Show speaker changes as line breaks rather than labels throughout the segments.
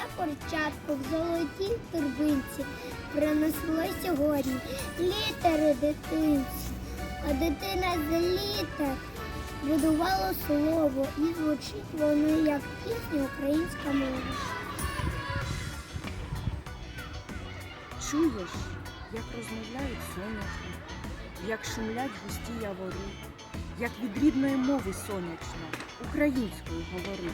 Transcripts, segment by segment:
курчатко в золотій торбинці принесло сьогодні літери дитинці, а дитина з літер будувала слово, і звучить воно як пісня українська мова.
Чуєш, як розмовляють соняшник, як шумлять густі явори, як від рідної мови сонячно, українською говори.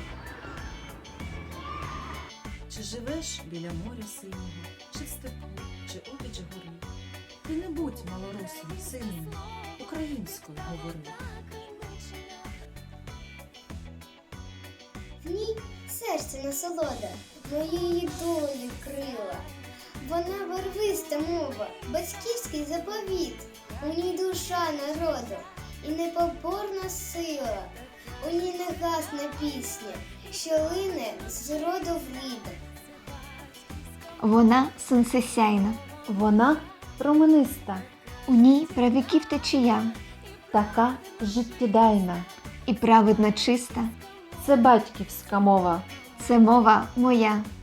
Чи живеш біля моря синього, чи в степу, чи обіч гори? Ти не будь малоросом, сину мій, українською говори.
В ній серце насолода, моєї долі крила. Вона барвиста мова, батьківський заповіт. У ній душа народу і непоборна сила. У ній не гасне пісня, що лине з роду в рід.
Вона сонцесяйна,
Вона промениста,
у ній правіків течія,
така життєдайна.
і праведно чиста.
Це батьківська мова.
Це мова моя.